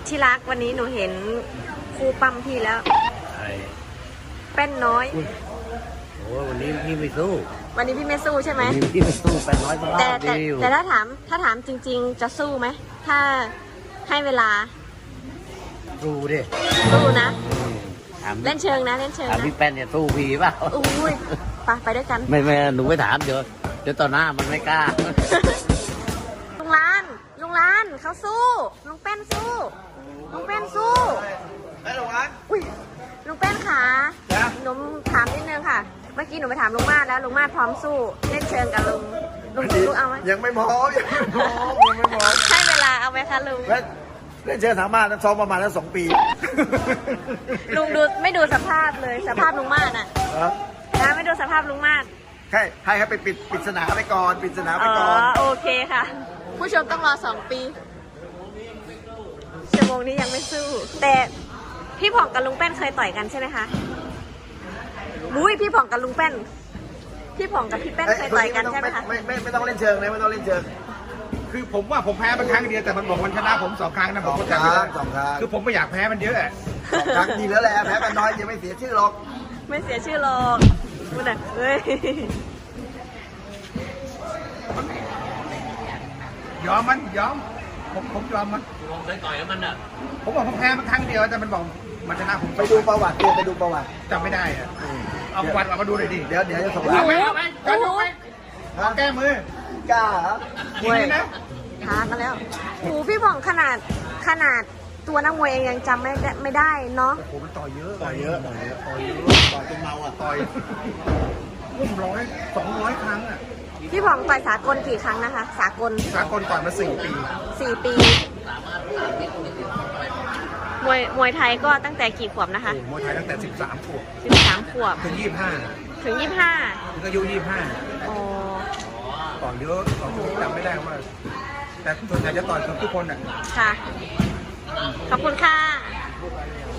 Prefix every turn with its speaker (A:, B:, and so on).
A: ที่รักวันนี้หนูเห็นครูปั๊มพี่แล้วแป้นน้อย
B: โอ้วันนี้พี่ไม่สู้
A: วันนี้พี่ไม่สู้ใช่ไหม
B: วันนี้พี่ไม่สู้เป็นร้อย
A: แต่ถ้าถามจริงๆจะสู้ไหมถ้าให้เวลา
B: สู้ดิ
A: สู้นะเล่นเชิงนะเล่นเชิงนะ
B: พี่แป้นเนี่ยสู้พี่เปล่า
A: อุ้ยไปด้วยกัน
B: ไม่หนูไม่ถามเดี๋ยวต่อหน้ามันไม่กล้า
A: ลุงล้านเขาสู้ลุงแป้นสู้ลุงแป้นสู้
C: ไอ้ลุงล้าน
A: อุ้ยลุงแป้นขาหนูถามนิดนึงค่ะเมื่อกี้หนูไปถามลุงมาดแล้วลุงมาดพร้อมสู้เล่นเชิงกับลุงเอาไหม
C: ยังไม่พร้อม
A: ให้เวลาเอาไหมคะลุง
C: เล่นเชิงสามารถซ้อมประมาณแล้ว2 ปี
A: ลุงไม่ดูสภาพเลยสภาพลุงมาดนะไม่ดูสภาพลุงมาด
C: ให้ไปปิดสนามไปก่อนปิดสนามไปก่อน
A: โอเคค่ะผู้ชมต้องรอ2 ปีชั่วโมงนี้ยังไม่สู้แต่พี่ผ่องกับลุงแป้นเคยต่อยกันใช่ไหมคะมุ้ยพี่ผ่องกับลุงแป้นพี่ผ่องกับพี่แป้นเคยต่อยกันใช่ไหมคะ
C: ไม่ต้องเล่นเชิงนะไม่ต้องเล่นเชิง
D: คือผมว่าผมแพ้มันครั้งเดียวแต่มันบอกมันชนะผม2 ครั้งนะผมก็จำ
C: ไม่
D: ได้
C: 2 ครั้ง
D: คือผมไม่อยากแพ้มันเยอะ
C: 2 ครั้งดีแล้วแหละแพ้กันน้อยยังไม่เสียชื่อหรอก
A: ไม่เสียชื่อหรอกมันอ่ะเฮ้ย
D: ยอมผมยอมมัน
B: ผมเคยต่อยกับมันอ่ะ
D: ผมบอกผมแพ้มันครั้งเดียวแต่มันบอกมันชนะผม
C: ไปดูประวัติไปดูประวัติ
D: จำไม่ได้อะเอาประวัติมาดูหน่อยดิ
C: เดี๋ยวจะส่ง
D: เอาไหมแก้มือก
C: ล้าเหรอ
D: จริงนะ
A: ท้ากันแล้วโอ้พี่ผ่องขนาดตัวนักมวยเองยังจำไม่ได้เนาะ
D: โอ้มันต่อยเยอะ
C: ต่อยจนเมาอ่ะ
D: ต่อยร่วม200 ครั้งอ่ะ
A: พี่ผ่องต่อยสากลกี่ครั้งนะคะสากล
D: ต่อยมา4 ปี
A: 4 ปีมวยไทยก็ตั้งแต่กี่ขวบนะคะ
D: มวยไทยตั้งแต่13 ขวบถึง 25ก็อายุ25
A: อ๋อ
D: ต่อยเยอะจำไม่ได้ว่าแต่ส่วนใหญ่จะต่อยกับทุกคนอ่ะ
A: ค่ะขอบคุณค่ะ